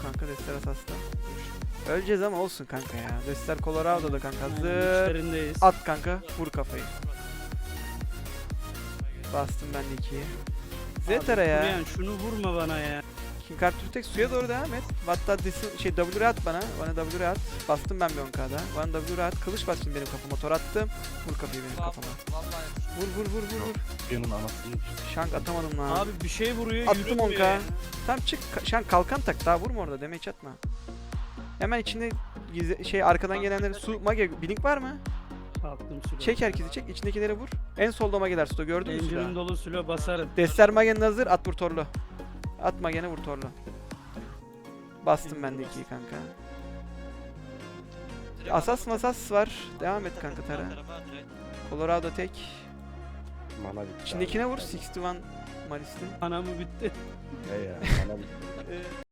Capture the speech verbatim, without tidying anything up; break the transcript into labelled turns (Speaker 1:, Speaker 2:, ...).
Speaker 1: kanka. Destler asasta. Öleceğiz ama olsun kanka ya. Destler Colorado'da kanka.
Speaker 2: Aynen,
Speaker 1: Hazır.
Speaker 2: içlerindeyiz.
Speaker 1: At kanka. Vur kafayı. Bastım ben de ikiyi. Zetara ya.
Speaker 2: Kuruyan, şunu vurma bana ya.
Speaker 1: King Arthur tek suya doğru devam et. Hatta desin, şey W at bana. Bana W at. Bastım ben bir on K'da. Bana W at. Kılıç bastım benim kafama. Tor attım. Vur kafayı benim kafama. Vur vur vur vur vur.
Speaker 3: Yanın anasını.
Speaker 1: Şank atamadım lan.
Speaker 2: Abi bir şey vuruyor,
Speaker 1: Attım
Speaker 2: yürümüyor
Speaker 1: on K.
Speaker 2: ya.
Speaker 1: Tamam çık. Ka- Şank kalkan tak. Daha vurma orada. Damage atma. Hemen içinde gizli, şey arkadan gelenleri su mage blink var mı?
Speaker 2: Attım sülo.
Speaker 1: Çek herkesi çek. İçindekileri vur. En solda mageler sto gördün mü
Speaker 2: Engine'in
Speaker 1: suda?
Speaker 2: dolu sülo basarım.
Speaker 1: Destler magenin hazır. At vur torlu. At magene vur torlu. Bastım ben de ikiyi kanka. Asas masas var. Devam et kanka Tara. Colorado tek.
Speaker 3: Mana bitti.
Speaker 1: İçindekine vur. altmış bir Malis'tin.
Speaker 2: Anamı bitti.
Speaker 3: He ya. Mana bitti.